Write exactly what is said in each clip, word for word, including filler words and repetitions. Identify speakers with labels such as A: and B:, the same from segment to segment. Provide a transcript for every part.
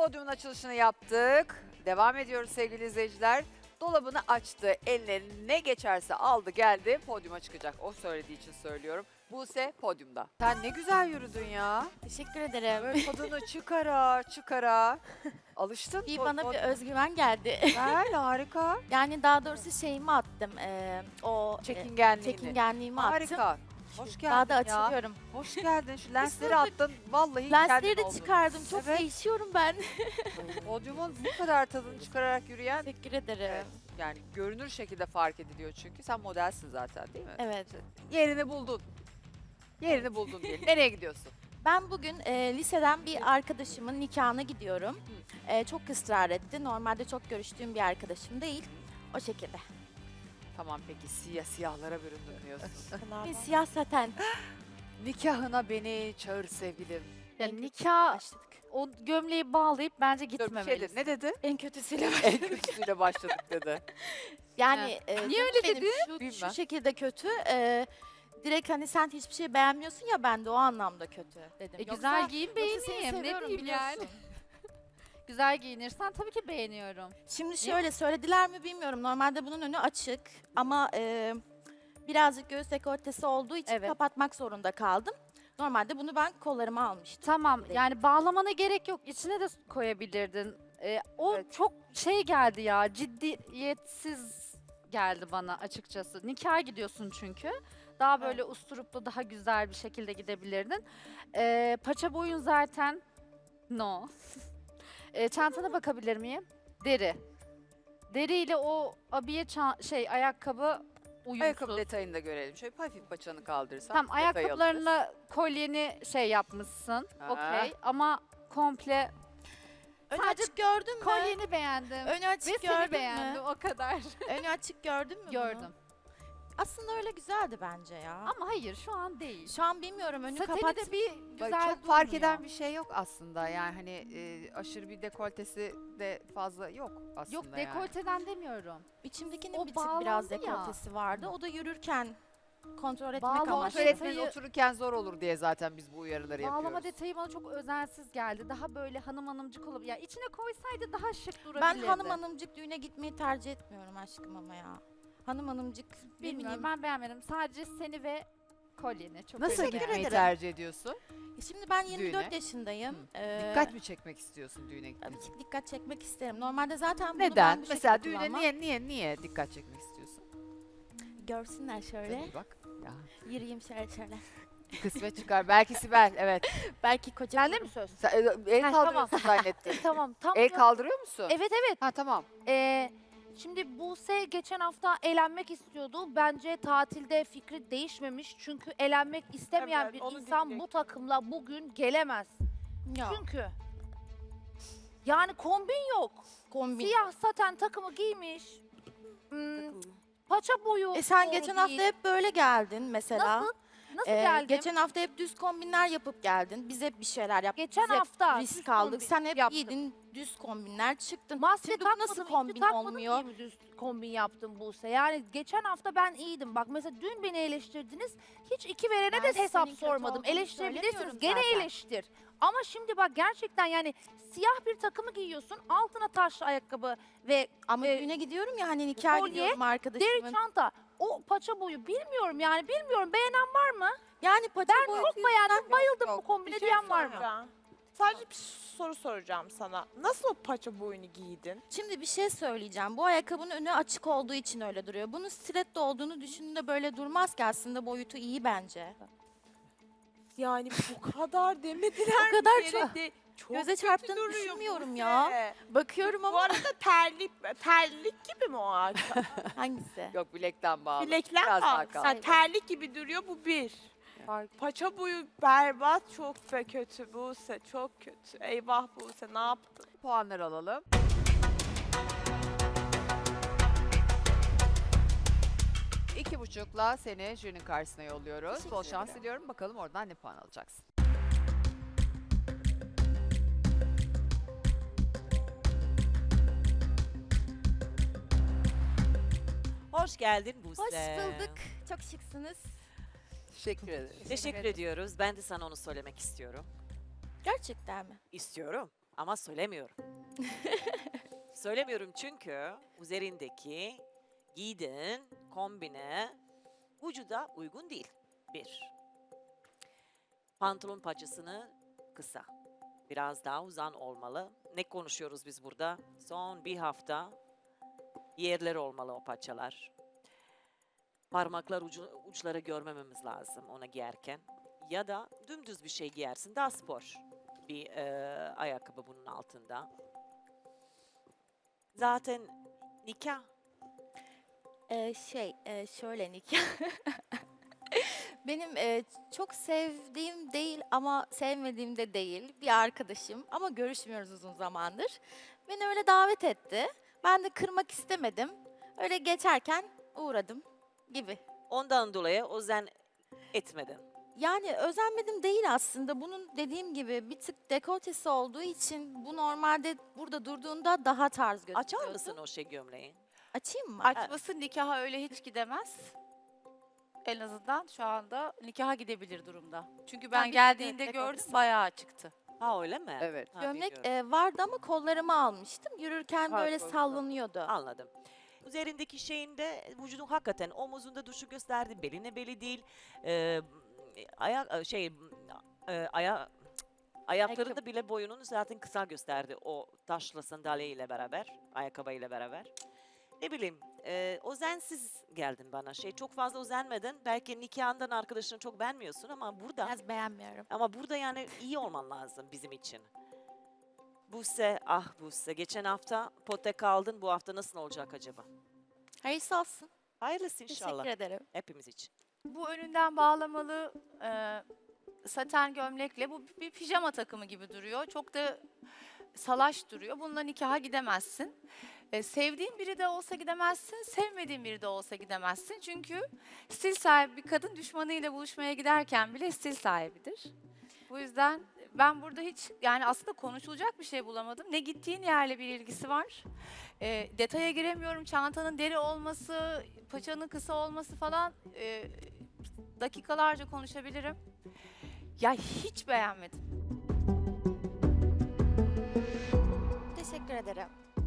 A: podyumun açılışını yaptık. Devam ediyoruz sevgili izleyiciler. Dolabını açtı, eline ne geçerse aldı geldi, podyuma çıkacak. O söylediği için söylüyorum. Buse podyumda. Sen ne güzel yürüdün ya.
B: Teşekkür ederim.
A: Böyle tadını çıkara çıkara. Alıştın.
B: Bir
A: po-
B: bana bir
A: pod-
B: özgüven geldi.
A: Güzel, harika.
B: Yani daha doğrusu şeyimi attım. e, o e,
A: Çekingenliğini.
B: çekingenliğimi attım.
A: Harika. Hoş geldin
B: Daha da
A: ya.
B: açılıyorum.
A: Hoş geldin. Şu lensleri attın. Vallahi
B: Lensleri
A: kendin
B: de
A: oldun.
B: çıkardım. Çok
A: Evet.
B: değişiyorum ben.
A: Podyumun bu kadar tadını çıkararak yürüyen,
B: Teşekkür ederim.
A: evet, yani görünür şekilde fark ediliyor çünkü. Sen modelsin zaten değil mi?
B: Evet.
A: Yerini buldun. Yerini buldun diyelim. Nereye gidiyorsun?
B: Ben bugün e, liseden bir arkadaşımın nikahına gidiyorum. E, çok ısrar etti. Normalde çok görüştüğüm bir arkadaşım değil. O şekilde.
A: Tamam peki, siyah siyahlara büründün diyorsun.
B: Bir siyah saten.
A: Nikahına beni çağır sevgilim.
C: Ya
B: En
C: nikah
B: başladık.
C: o gömleği bağlayıp bence
A: Dur bir şey
C: gitmemelisin.
A: dedi. Ne dedi?
B: En kötüsüyle
A: En
B: başladık.
A: kötüsüyle başladık dedi.
B: Yani e,
C: Niye
B: canım
C: öyle
B: benim
C: dedi?
B: Şu,
A: Bilmem.
B: şu şekilde kötü. E, direkt hani sen hiçbir şey beğenmiyorsun ya, ben de o anlamda kötü dedim.
C: E,
B: Yoksa-
C: güzel giyin
B: yoksa seni
C: beğeneyim. Ne
B: seviyorum,
C: diyeyim yani.
B: biliyorsun.
C: Güzel giyinirsen tabii ki beğeniyorum.
B: Şimdi şöyle söylediler mi bilmiyorum. Normalde bunun önü açık ama e, birazcık göğüs dekoltesi olduğu için
C: Evet.
B: kapatmak zorunda kaldım. Normalde bunu ben kollarıma almıştım.
C: Tamam
B: Direkt.
C: yani bağlamana gerek yok. İçine de koyabilirdin. E, o
A: Evet.
C: çok şey geldi ya, ciddiyetsiz geldi bana açıkçası. Nikaha gidiyorsun çünkü. Daha böyle usturuplu, daha güzel bir şekilde gidebilirdin. E, paça boyun zaten no. E, çantana bakabilir miyim? Deri. Deriyle o abiye ça- şey ayakkabı uyumsuz.
A: Ayakkabı detayını da görelim. Şöyle hafif paçanı kaldırırsan.
C: Tamam,
A: detayı alırız.
C: ayakkabılarınla kolyeni şey yapmışsın.
A: Aha.
C: Okey ama komple
B: Önü
C: Sadece
B: açık gördün mü?
C: kolyeni beğendim.
B: Önü
C: Ve
B: açık
C: seni
B: gördün
C: beğendim
B: mü?
C: o kadar.
B: Önü açık gördün mü bunu?
C: Gördüm.
B: Aslında öyle güzeldi bence ya.
C: Ama hayır şu an değil.
B: Şu an bilmiyorum, önü
C: Sateni
B: kapat.
C: de bir
A: Bak,
C: güzel
A: çok fark
C: durmuyor.
A: eden bir şey yok aslında. Yani hani e, aşırı bir dekoltesi de fazla yok aslında.
C: Yok
A: yani.
C: dekolteden demiyorum.
B: İçimdekinin
C: O
B: bir tık biraz
C: bağlandı ya.
B: dekoltesi vardı. O da yürürken kontrol etmek
C: Bağlama
B: amaçlı.
A: Öğretmenin
C: detayı-
A: otururken zor olur diye zaten biz bu uyarıları
C: Bağlama
A: yapıyoruz.
C: detayı bana çok özensiz geldi. Daha böyle hanım hanımcık olup ya içine koysaydı daha şık
B: Ben
C: durabilirdi.
B: hanım hanımcık düğüne gitmeyi tercih etmiyorum aşkım ama ya. Hanım hanımcık ne
C: Bilmiyorum
B: bileyim.
C: ben beğenmedim. Sadece seni ve kolyeni çok
A: Nasıl
C: beğendim.
A: gitmeyi
B: ederim.
A: tercih ediyorsun?
B: E Şimdi ben yirmi dört
A: Düğüne?
B: yaşındayım. Ee,
A: Dikkat mi çekmek istiyorsun düğüne gittiğin
B: Tabii
A: için?
B: ki dikkat çekmek isterim. Normalde zaten bunu
A: Neden?
B: ben bu
A: Mesela
B: şekilde
A: düğüne
B: kullanmam.
A: niye niye niye dikkat çekmek istiyorsun?
B: Görsünler şöyle.
A: Tabii bak. Ya.
B: Yürüyeyim şöyle şöyle.
A: Kısmet çıkar. Belki Sibel. Evet.
B: Belki koca
C: Sende mi söz?
A: Sen, e, el
C: Ha,
A: kaldırıyorsun zannettim.
C: Tamam tam
A: El
C: da-
A: kaldırıyor musun?
C: Evet evet.
A: Ha tamam.
C: Ee, şimdi Buse geçen hafta eğlenmek istiyordu. Bence tatilde fikri değişmemiş. Çünkü eğlenmek istemeyen
D: Evet,
C: bir
D: onu
C: insan bu
D: diyecektim.
C: takımla bugün gelemez.
B: Ya,
C: Çünkü yani kombin yok.
B: kombin.
C: Siyah saten takımı giymiş. Hmm, paça boyu
B: E sen
C: doğru
B: geçen
C: değil.
B: hafta hep böyle geldin mesela.
C: Nasıl? Nasıl
B: Ee,
C: geldim?
B: Geçen hafta hep düz kombinler yapıp geldin. Biz hep bir şeyler yaptık.
C: Geçen
B: Biz hep
C: hafta
B: risk
C: düz
B: aldık.
C: kombin
B: Sen hep
C: yaptım.
B: giydin düz kombinler çıktın.
C: Maske
B: Şimdi bu
C: takmadım,
B: nasıl
C: hiçbir
B: kombin
C: takmadım
B: olmuyor?
C: diye mi düz kombin yaptım Buse? Yani geçen hafta ben iyiydim. Bak mesela dün beni eleştirdiniz. Hiç iki verene
B: Ben
C: de hesap
B: senin kötü
C: sormadım.
B: olduğunu
C: Eleştirebilirsiniz.
B: söylemiyorum
C: Gene
B: zaten.
C: eleştir. Ama şimdi bak gerçekten yani siyah bir takımı giyiyorsun. Altına taşlı ayakkabı ve
B: Ama
C: Ee,
B: düğüne gidiyorum ya, hani nikah
C: kolye,
B: gidiyorum
C: deri
B: arkadaşımın.
C: çanta. O paça boyu bilmiyorum yani bilmiyorum. Beğenen var mı?
B: Yani paça
C: Ben
B: boyu
C: çok beğendim. Bayıldım
A: yok.
C: bu kombine
D: Bir şey
C: diyen var mı?
D: soracağım. Sadece bir soru soracağım sana. Nasıl o paça boyunu giydin?
B: Şimdi bir şey söyleyeceğim. Bu ayakkabının önü açık olduğu için öyle duruyor. Bunun stiletto olduğunu düşündüğünde böyle durmaz ki, aslında boyutu iyi bence.
D: Yani bu kadar demediler
B: O kadar
D: mi?
B: çok-
D: De- çok
B: Göze
D: kötü
B: çarptığını
D: duruyor
B: düşünmüyorum
D: Buse.
B: ya. Bakıyorum
D: Bu
B: ama
D: arada terlik, terlik gibi mi o ayakkabı?
B: hangisi?
A: Yok bilekten bağlı.
D: Bilekler
A: Biraz daha
D: Aa,
A: kaldı.
D: sen terlik gibi duruyor, bu bir. Paça boyu berbat, çok be kötü Buse, çok kötü. Eyvah Buse, ne yaptın?
A: Puanları alalım. İki buçukla seni jürinin karşısına yolluyoruz.
B: Teşekkür
A: Bol şans
B: ederim.
A: diliyorum. Bakalım oradan ne puan alacaksın.
E: Hoş geldin Buse.
B: Hoş bulduk. Çok şıksınız.
A: Teşekkür ederim.
E: Teşekkür ediyoruz. Ben de sana onu söylemek istiyorum.
B: Gerçekten mi?
E: İstiyorum. Ama söylemiyorum. Söylemiyorum çünkü üzerindeki giydiğin kombine vücuda uygun değil. Bir. Pantolon paçasını kısa. Biraz daha uzun olmalı. Ne konuşuyoruz biz burada? Son bir hafta yerler olmalı o paçalar. Parmaklar ucu, uçları görmememiz lazım ona giyerken. Ya da dümdüz bir şey giyersin. Daha spor bir e, ayakkabı bunun altında. Zaten nikah.
B: Ee, şey, e, şöyle nikah. Benim e, çok sevdiğim değil ama sevmediğim de değil bir arkadaşım ama görüşmüyoruz uzun zamandır. Beni öyle davet etti. Ben de kırmak istemedim. Öyle geçerken uğradım gibi.
E: Ondan dolayı özen etmedin.
B: Yani özenmedim değil aslında. Bunun dediğim gibi bir tık dekoltesi olduğu için bu normalde burada durduğunda daha tarz gözüküyordu.
E: Açar mısın o şey gömleği?
B: Açayım mı?
F: Açması nikaha öyle hiç gidemez. En azından şu anda nikaha gidebilir durumda. Çünkü ben
B: bir
F: geldiğinde
B: de
F: gördüm
B: dekoltesi.
F: bayağı açıktı.
E: Ha öyle mi?
G: Evet.
E: Ha,
B: Gömlek
E: bilmiyorum.
B: e, vardı ama kollarımı almıştım. Yürürken
G: Fark
B: böyle
G: oldu.
B: sallanıyordu.
E: Anladım. Üzerindeki şeyinde vücudun hakikaten omuzunda düşük gösterdi. Beline beli değil. Ee, ayak şey e, aya ayaklarında
B: Ayakkabı.
E: bile boyunun zaten kısa gösterdi o taşlı sandalye ile beraber, ayakkabı ile beraber. Ne bileyim, e, özensiz geldin bana. Şey çok fazla özenmedin. Belki nikahından arkadaşını çok beğenmiyorsun ama burada
B: Biraz beğenmiyorum.
E: ama burada yani iyi olman lazım bizim için. Buse, ah Buse. Geçen hafta pote kaldın. Bu hafta nasıl olacak acaba?
B: Hayırlısı olsun.
E: Hayırlısı inşallah.
B: Teşekkür ederim.
E: Hepimiz için.
F: Bu önünden bağlamalı e, saten gömlekle bu bir pijama takımı gibi duruyor. Çok da salaş duruyor. Bununla nikaha gidemezsin. E, sevdiğin biri de olsa gidemezsin, sevmediğin biri de olsa gidemezsin. Çünkü stil sahibi bir kadın düşmanıyla buluşmaya giderken bile stil sahibidir. Bu yüzden ben burada hiç yani aslında konuşulacak bir şey bulamadım. Ne gittiğin yerle bir ilgisi var. E, detaya giremiyorum. Çantanın deri olması, paçanın kısa olması falan e, dakikalarca konuşabilirim. Ya hiç beğenmedim.
B: Teşekkür ederim.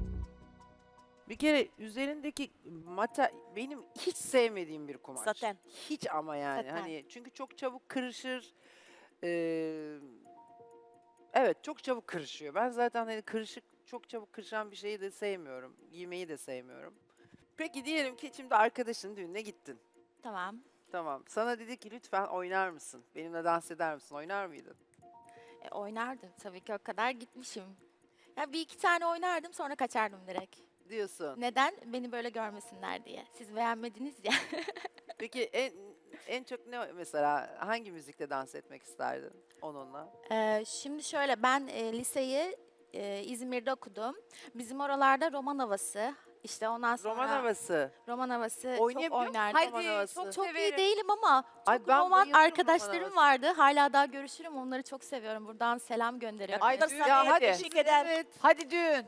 G: Bir kere üzerindeki mata benim hiç sevmediğim bir kumaş.
E: Saten.
G: Hiç ama yani
B: Saten.
G: hani çünkü çok çabuk kırışır. Ee, evet çok çabuk kırışıyor. Ben zaten hani kırışık çok çabuk kırışan bir şeyi de sevmiyorum. Giymeyi de sevmiyorum. Peki diyelim ki şimdi arkadaşın düğününe gittin.
B: Tamam.
G: Tamam. Sana dedi ki lütfen oynar mısın? Benimle dans eder misin? Oynar mıydın?
B: E, oynardım tabii ki o kadar gitmişim. Ya bir iki tane oynardım sonra kaçardım direkt.
G: Diyorsun.
B: Neden? Beni böyle görmesinler diye. Siz beğenmediniz ya.
G: Peki en en çok ne mesela hangi müzikte dans etmek isterdin onunla?
B: Ee, şimdi şöyle ben e, liseyi e, İzmir'de okudum. Bizim oralarda roman havası. İşte ondan sonra
G: Roman havası.
B: roman havası çok
G: Oynayabiliyor musun
B: oynardım.
G: roman havası?
F: çok
B: Çok iyi
F: severim.
B: değilim ama çok
G: Ay, ben
B: roman
G: bayılırım roman
B: arkadaşlarım
G: havası.
B: vardı. Hala daha görüşürüm. Onları çok seviyorum. Buradan selam gönderiyorum.
A: Ay,
E: Ay,
A: düğün
E: sana
A: ya, hadi.
E: teşekkür ederim.
G: Evet.
A: Hadi düğün.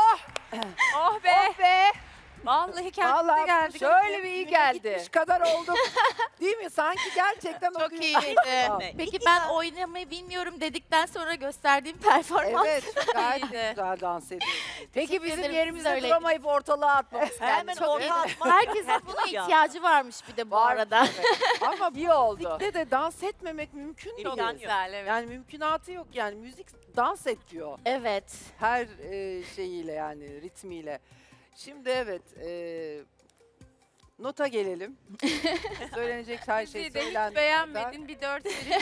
F: Oh be!
A: Oh be!
F: Vallahi kendimize
G: Vallahi
F: geldik.
A: Şöyle bir iyi geldi.
G: Gitmiş kadar olduk. Değil mi? Sanki gerçekten o
F: Çok
G: gün-
F: iyiydi.
E: Ne?
B: Peki ben oynamayı bilmiyorum dedikten sonra gösterdiğim performans.
G: Evet, gayet
F: İyiydi.
G: güzel dans ediyorsun.
A: Peki
B: Teşekkür
A: bizim
B: ederim,
A: yerimizde
B: siz de
A: duramayıp ortalığa atmamız
E: Hemen
A: kendisi. Çok iyi.
E: orta atma.
B: Herkesin
E: Her-
B: buna
E: Ya.
B: ihtiyacı varmış bir de bu
A: Var.
B: arada.
G: Ama
A: İyi oldu.
G: müzikte de dans etmemek mümkün değil.
E: İmkan yok.
F: Güzel evet.
G: Yani mümkünatı yok yani. Müzik dans et diyor.
B: Evet.
G: Her e, şeyiyle yani ritmiyle. Şimdi evet e, nota gelelim. Söylenecek her şey
F: Bizi de hiç
G: söylendi.
F: beğenmedin. Bir dört verin.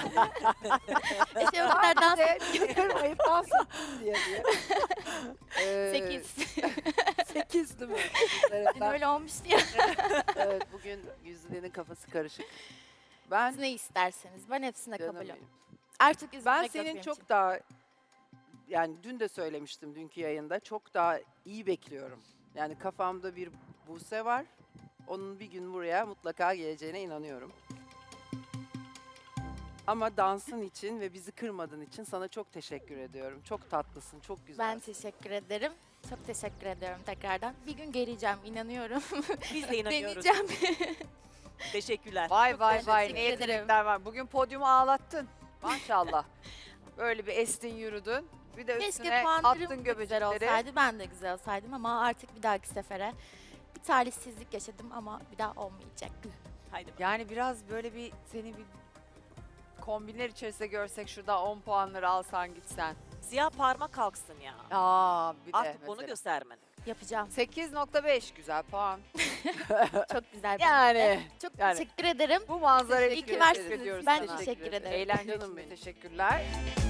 B: İşte o kadar dans
G: Sadece kırmayıp dans ettim diye diye. Ee,
B: sekiz.
G: Sekiz değil mi?
B: Dün öyle olmuştu ya.
G: Evet bugün Güzide'nin kafası karışık. Ben
B: Siz ne isterseniz. Ben hepsine
G: canım
B: kabulüm.
G: benim.
B: Artık üzülmek
G: Ben
B: yok
G: senin
B: benim
G: çok
B: için.
G: daha yani dün de söylemiştim dünkü yayında çok daha iyi bekliyorum. Yani kafamda bir Buse var. Onun bir gün buraya mutlaka geleceğine inanıyorum. Ama dansın için ve bizi kırmadığın için sana çok teşekkür ediyorum. Çok tatlısın, çok güzel.
B: Ben teşekkür ederim. Çok teşekkür ediyorum tekrardan. Bir gün geleceğim inanıyorum.
E: Biz de inanıyoruz.
B: Deneyeceğim.
E: Teşekkürler.
A: Vay vay
B: teşekkür
A: vay ne
B: ederim.
A: yetenekler var. Bugün podyumu ağlattın. Maşallah. Böyle bir estin yürüdün. Bir de
B: Keşke
A: üstüne
B: puanlarım
A: attın
B: da güzel
A: göbecekleri.
B: olsaydı, ben de güzel olsaydım ama artık bir dahaki sefere bir talihsizlik yaşadım ama bir daha olmayacak.
E: Haydi bakalım.
A: Yani biraz böyle bir seni bir kombinler içerisinde görsek şurada on puanları alsan gitsen.
E: Siyah parmak kalksın ya.
A: Aa bir de
E: Artık bunu
A: mesela.
E: göstermedin.
B: Yapacağım.
A: sekiz nokta beş güzel puan.
B: Çok güzel. bir
A: Yani
B: Çok
A: yani.
B: teşekkür ederim.
A: bu manzarayı
B: İyi ki
A: teşekkür
B: varsınız.
A: ediyoruz
B: Ben
A: sana.
B: teşekkür ederim.
A: Eğlence
G: Canım
A: için de
G: benim.
A: teşekkürler.